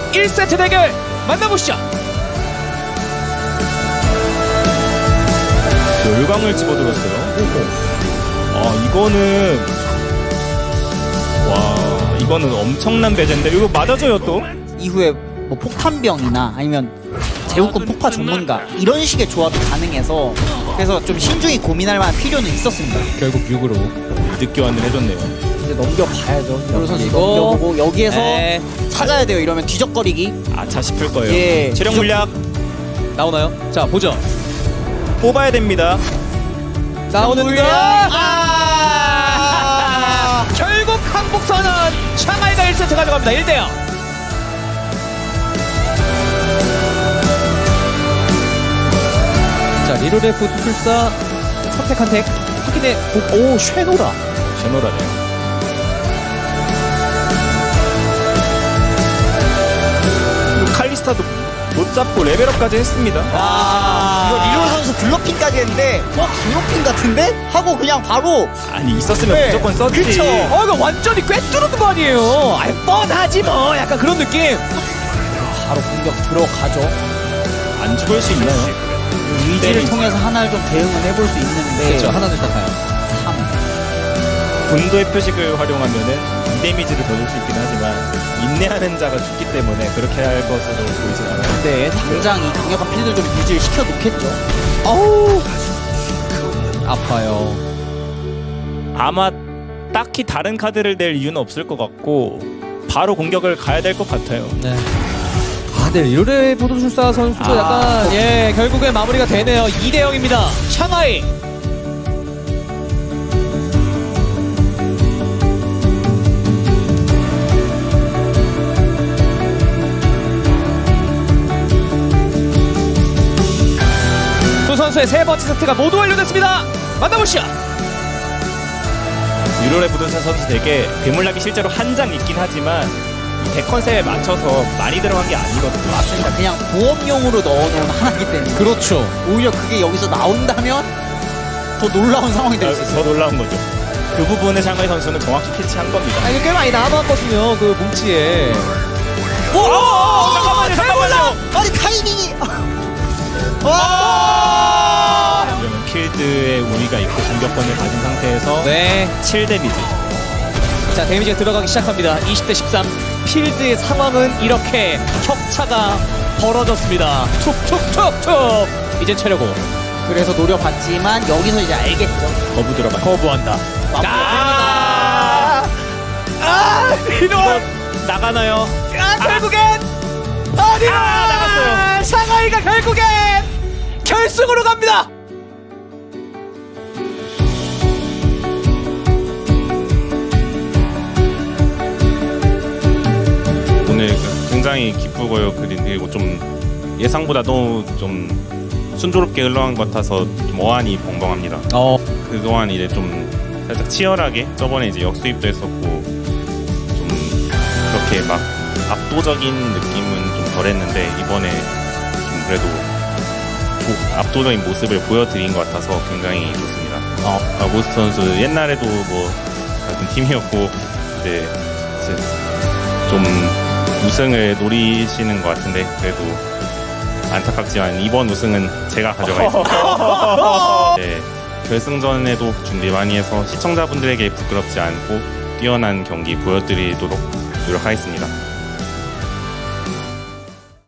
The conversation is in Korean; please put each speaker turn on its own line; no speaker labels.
1세트 대결 만나보시죠.
열광을 집어들었어요. 이거는 와, 이거는 엄청난 배제인데 이거 맞아줘요 또.
이후에 뭐 폭탄병이나 아니면 제국군 폭파 전문가 이런 식의 조합이 가능해서 그래서 좀 신중히 고민할 만한 필요는 있었습니다.
결국 6으로
늦교환을 해줬네요.
이제 넘겨봐야죠. 이로 선수
이거.
넘겨보고 여기에서
네.
찾아야 돼요. 이러면 뒤적거리기.
아차 싶을 거예요.
예.
체력 물약
나오나요? 자 보죠.
뽑아야 됩니다.
나오는가?
아!
결국 항복 선언. 샹하이가 1세트 가져갑니다. 1대0. 자 리로레프 투술사 선택한 덱 확인해. 오 쉐노라.
제노라네요. 그리고 칼리스타도 못 잡고 레벨업까지 했습니다.
이거 리로 선수 블러핑까지 했는데 블러핑 같은데? 하고 그냥 바로
아니 있었으면
네.
무조건 썼지.
그쵸. 이거 완전히 꿰뚫는 거 아니에요. 아이 뻔하지 뭐. 약간 그런 느낌.
바로 공격 들어가죠.
안 죽을 수 있나요?
의지를
네.
통해서 하나를 좀 대응을 해볼 수 있는데
그렇죠. 하나는 딱 가요.
3.
분도의 표식을 활용하면은 2데미지를 더 줄 수 있긴 하지만 인내하는 자가 죽기 때문에 그렇게 할 것으로 보이진 않아요.
근데 당장 이 강력한 필드를 좀 유지를 시켜놓겠죠.
어우 아파요.
아마 딱히 다른 카드를 낼 이유는 없을 것 같고 바로 공격을 가야 될 것 같아요.
네. 네, 리로레 포도술사 선수도 약간 결국에 마무리가 되네요. 2대0입니다. 샹하이. 두 선수의 세 번째 세트가 모두 완료됐습니다. 만나보시죠.
유로레 부동산 선수 덱에 괴물락이 실제로 한 장 있긴 하지만 덱 컨셉에 맞춰서 많이 들어간 게 아니거든요.
맞습니다. 그냥 보험용으로 넣어놓은 하나이기 때문에
그렇죠.
오히려 그게 여기서 나온다면 더 놀라운 상황이 될 수 있어요.
더 놀라운 거죠. 그 부분을 샹하이 선수는 정확히 캐치한 겁니다.
이게 꽤 많이 남았거든요. 그 뭉치에.
잠깐만요.
아니 타이밍이
이러면 필드에 우위가 있고 공격권을 가진 상태에서
네.
7데미지.
자 데미지가 들어가기 시작합니다. 20대 13. 필드의 상황은 이렇게 격차가 벌어졌습니다. 툭툭툭툭. 이젠 차려고
그래서 노려봤지만 여기서 이제 알겠죠.
거부 들어가.
거부한다.
이거 나가나요?
결국엔 어디로
나갔어요.
상하이가 결국엔 결승으로 갑니다.
오늘 굉장히 기쁘고요. 그리고 좀 예상보다도 좀 순조롭게 흘러간 것 같아서 좀 어안이 벙벙합니다. 그동안 이제 좀 살짝 치열하게 저번에 이제 역수입도 했었고 좀 그렇게 막 압도적인 느낌은 좀 덜했는데 이번에 좀 그래도 압도적인 모습을 보여드린 것 같아서 굉장히 좋습니다. 모스트 선수 옛날에도 뭐 같은 팀이었고 이제 좀 우승을 노리시는 것 같은데 그래도 안타깝지만 이번 우승은 제가 가져가겠습니다. 네, 결승전에도 준비 많이 해서 시청자분들에게 부끄럽지 않고 뛰어난 경기 보여드리도록 노력하겠습니다.